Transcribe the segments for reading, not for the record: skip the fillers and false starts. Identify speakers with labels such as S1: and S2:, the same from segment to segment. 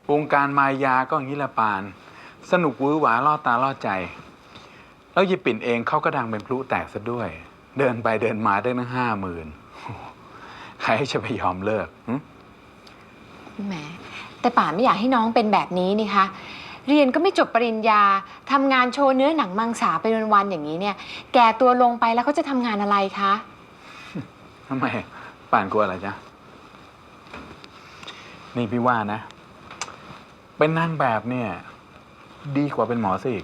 S1: วงการมายาก็อย่างนี้ละปานสนุกวื้อหวาล่อตาล่อใจแล้วยายปิ่นเองเขาก็ดังเป็นพลุแตกซะด้วย เดินไปเดินมาได้ตั้ง50,000ใครจะไปยอมเลิก
S2: แหมแต่ป่าไม่อยากให้น้องเป็นแบบนี้นี่คะเรียนก็ไม่จบปริญญาทำงานโชว์เนื้อหนังมังสาไปวันๆอย่างนี้เนี่ยแก่ตัวลงไปแล้วเขาจะทำงานอะไรคะ
S1: ทำไมป่านกลัวอะไรจ๊ะนี่พี่ว่านะเป็นนางแบบเนี่ยดีกว่าเป็นหมอซะอีก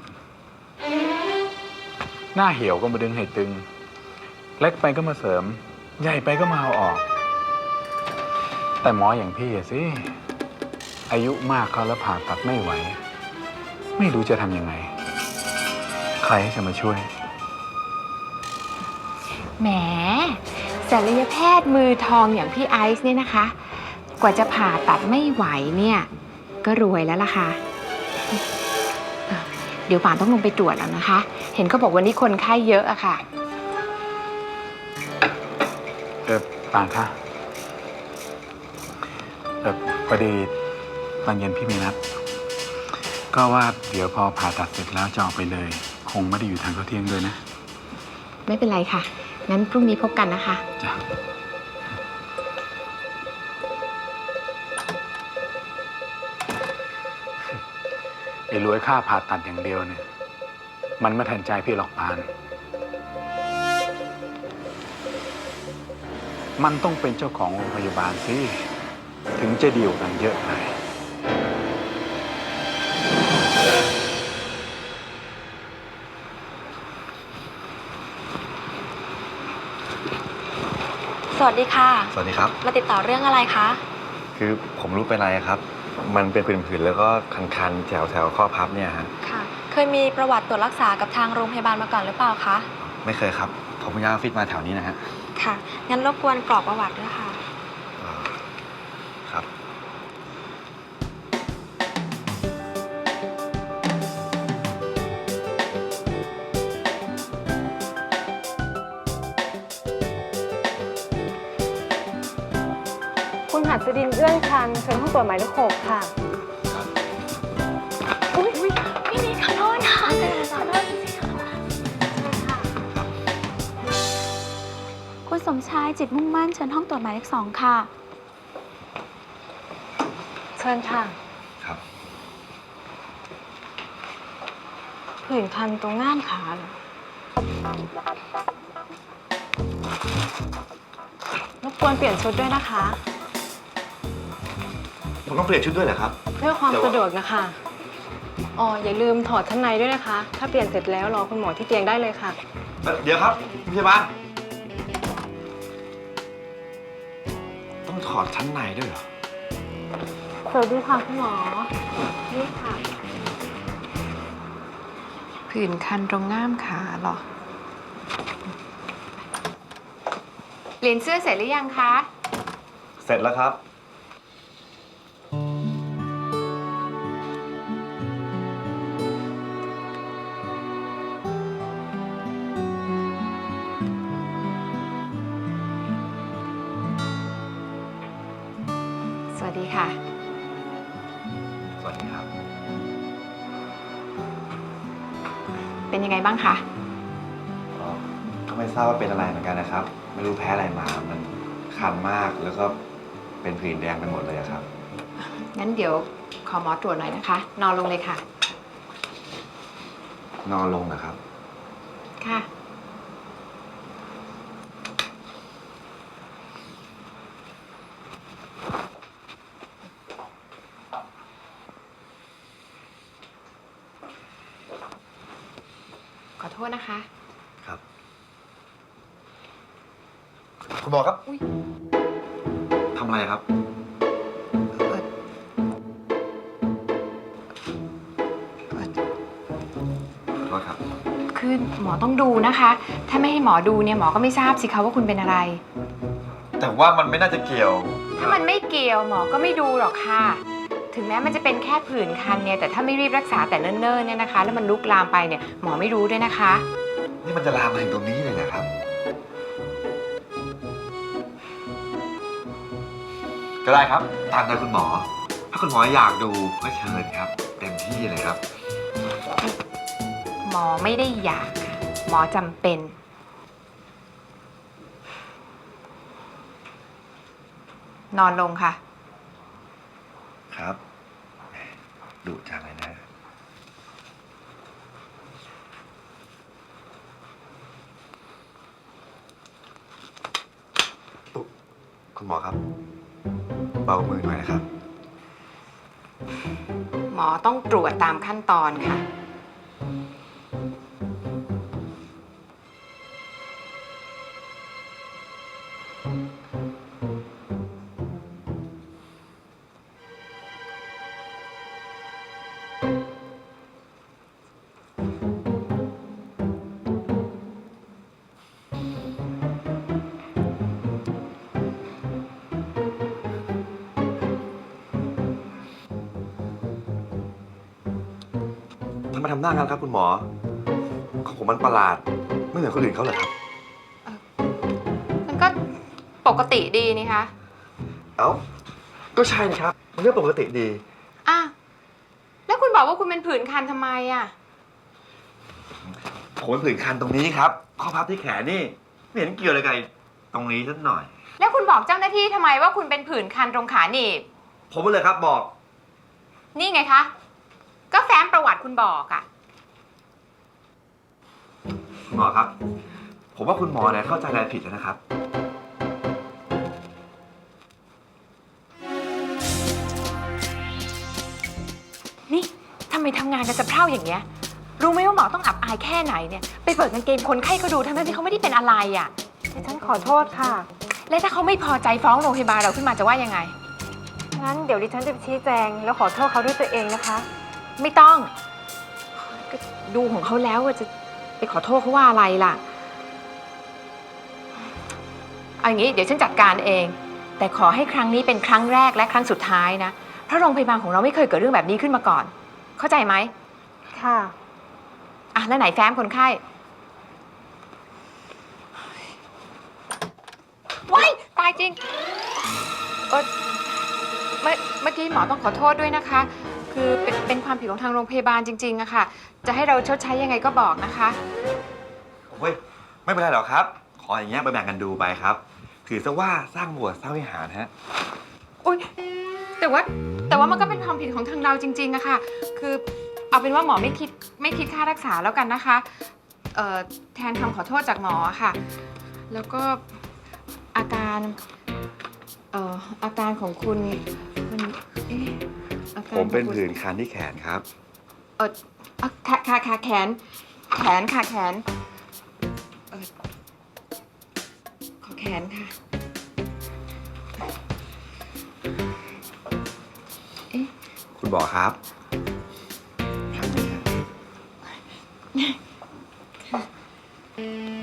S1: หน้าเหี่ยวก็มาดึงให้ตึงเล็กไปก็มาเสริมใหญ่ไปก็มาเอาออกแต่หมออย่างพี่สิอายุมากเขาแล้วผ่าตัดไม่ไหวไม่รู้จะทำยังไงใครจะมาช่วย
S2: แหมศัลยแพทย์มือทองอย่างพี่ไอซ์เนี่ยนะคะกว่าจะผ่าตัดไม่ไหวเนี่ยก็รวยแล้วล่ะค่ะเดี๋ยวป่านต้องลงไปตรวจแล้วนะคะเห็นเขาบอกวันนี้คนไข้เยอะอะค่ะ
S1: ป่านคะพอดีตอนเย็นพี่มีนัดก็ว่าเดี๋ยวพอผ่าตัดเสร็จแล้วจะออกไปเลยคงไม่ได้อยู่ทานข้าวเที่ยงด้วยนะ
S2: ไม่เป็นไรค่ะงั้นพรุ่งนี้พบกันนะคะ
S1: จ้ะไอ้รวยค่าผ่าตัดอย่างเดียวเนี่ยมันไม่ทันใจพี่หรอกปานมันต้องเป็นเจ้าของโรงพยาบาลสิถึงจะดีกว่ากันเยอะเลย
S3: สวัสดีค่ะ
S4: สวัสดีครับ
S3: มาติดต่อเรื่องอะไรคะ
S4: คือผมรู้เป็นไรครับมันเป็นผื่นๆแล้วก็คันๆแถวข้อพับเนี่ยฮะ
S3: ค่ะเคยมีประวัติตรวจรักษากับทางโรงพยาบาลมาก่อนหรือเปล่าคะ
S4: ไม่เคยครับผมเพิ่งย้ายออฟฟิศมาแถวนี้นะฮะ
S3: ค่ะงั้นรบกวนกรอกประวัติด้วยค่ะ
S4: ครับ
S5: คุณหัดสดินเอื้อนคันเชิญห้องตรวจหมายเลข 6ค่ะ
S3: อุ้ยพี่นิดขอโทษค่ะขอโทษจริงๆค่ะคุณสมชายจิตมุ่งมั่นเชิญห้องตรวจหมายเลข 2ค่ะ
S5: เชิญค่ะ
S4: ครับ
S5: ผื่นคันตรงง่ามขาเหรอรบกวนเปลี่ยนชุดด้วยนะคะ
S4: ผมต้องเปลี่ยนชุดด้วยเหรอครับ
S5: เพื่อความสะดวกนะคะอ๋ออย่าลืมถอดชั้นในด้วยนะคะ ถ้าเปลี่ยนเสร็จแล้วรอคุณหมอที่เตียงได้เลยค่ะ
S4: เดี๋ยวครับพยาบาลต้องถอดชั้นในด้วยเหรอ
S5: สวัสดีค่ะคุณหมอนี่ค่ะ
S2: ผื่นคันตรงง่ามขาเหรอเปลี่ยนเสื้อเสร็จหรือยังคะ
S4: เสร็จแล้วครับ
S2: สวัสดีค่ะ
S4: สวัสดีครับ
S2: เป็นยังไงบ้างคะ
S4: ก็ไม่ทราบว่าเป็นอะไรเหมือนกันนะครับไม่รู้แพ้อะไรมามันคันมากแล้วก็เป็นผื่นแดงไปหมดเลยครับ
S2: งั้นเดี๋ยวขอหมอตรวจหน่อยนะคะนอนลงเลยค่ะ
S4: นอนลงนะครับ
S2: ค่ะขอโทษนะคะ
S4: ครับคุณหมอครับทำอะไรครับขอโทษครับ
S2: คือหมอต้องดูนะคะ ถ้าไม่ให้หมอดูเนี่ยหมอก็ไม่ทราบสิคะว่าคุณเป็นอะไร
S4: แต่ว่ามันไม่น่าจะเกี่ยว
S2: ถ้ามันไม่เกี่ยวหมอก็ไม่ดูหรอกค่ะถึงแม้มันจะเป็นแค่ผื่นคันเนี่ยแต่ถ้าไม่รีบรักษาแต่เนิ่นๆเนี่ยนะคะแล้วมันลุกลามไปเนี่ยหมอไม่รู้ด้วยนะคะ
S4: นี่มันจะลามมาถึงตรงนี้เลยนะครับก็ได้ครับตามใจคุณหมอถ้าคุณหมออยากดูก็เชิญครับ เต็มที่เลยครับ
S2: หมอไม่ได้อยากค่ะหมอจำเป็น นอนลงค่ะ
S4: ครับดุจังเลยนะคุณหมอครับ เบามือหน่อยนะครับ
S2: หมอต้องตรวจตามขั้นตอนค่ะ
S4: ทำไมทำหน้างั้นครับคุณหมอ ของผมมันประหลาด ไม่เหมือนคนอื่นเขาเหรอครับ
S2: มันก็ปกติดีนี่คะ
S4: เอ้า ก็ใช่นะครับ มันเรื่องปกติดี
S2: อ่ะแล้วคุณบอกว่าคุณเป็นผื่นคันทำไมอ่ะ
S4: ผมเป็นผื่นคันตรงนี้ครับ ข้อพับที่แขนนี่ ไม่เห็นเกี่ยวอะไรกับตรงนี้สักหน่อย
S2: แล้วคุณบอกเจ้าหน้าที่ทำไมว่าคุณเป็นผื่นคันตรงขาหนีบ
S4: ผมเลยครับบอก
S2: นี่ไงคะ ก็แฟ้มประวัติคุณบอกอ่ะ
S4: คุณหมอครับ ผมว่าคุณหมอเนี่ยเข้าใจอะไรผิดแล้วนะครับ
S2: นี่ทำไมทำงานกันสะเพร่าอย่างเงี้ย รู้ไหมว่าหมอต้องอับอายแค่ไหนเนี่ย ไปเปิดกางเกงคนไข้เขาดูทั้งที่เขาไม่ได้เป็นอะไรอ่ะ
S5: ฉันขอโทษค่ะ
S2: และถ้าเขาไม่พอใจฟ้องโรงพยาบาลเราขึ้นมาจะว่ายังไง
S5: งั้นเดี๋ยวดิฉันจะไปชี้แจงแล้วขอโทษเขาด้วยตัวเองนะคะ
S2: ไม่ต้องก็ดูของเขาแล้วว่าจะไปขอโทษเขาว่าอะไรล่ะเอาอย่างนี้เดี๋ยวฉันจัดการเอง แต่ขอให้ครั้งนี้เป็นครั้งแรกและครั้งสุดท้ายนะ เพราะโรงพยาบาลของเราไม่เคยเกิดเรื่องแบบนี้ขึ้นมาก่อน เข้าใจไหม
S5: ค่ะ
S2: อ่ะแล้วไหนแฟ้มคนไข้ว้ายตายจริงเมื่อกี้หมอต้องขอโทษด้วยนะคะ คือเป็นความผิดของทางโรงพยาบาลจริงๆอะค่ะ จะให้เราชดใช้ยังไงก็บอกนะคะ
S4: โอ้ย ไม่เป็นไรหรอกครับ ขออย่างเงี้ยไปแบ่งกันดูไปครับ ถือซะว่าสร้างโบสถ์สร้างวิหารฮะ
S2: อุ๊ยแต่ว่ามันก็เป็นความผิดของทางเราจริงๆอะค่ะ คือเอาเป็นว่าหมอไม่คิดค่ารักษาแล้วกันนะคะแทนคำขอโทษจากหมอค่ะ แล้วก็อาการของคุณมันอาการ
S4: ผมเป็น
S2: ของคุณ
S4: ผื่นคันที่แขนครับ
S2: ค่ะแขนค่ะแขนขอแขนค่ะ
S4: คุณหมอครับทำไงฮะ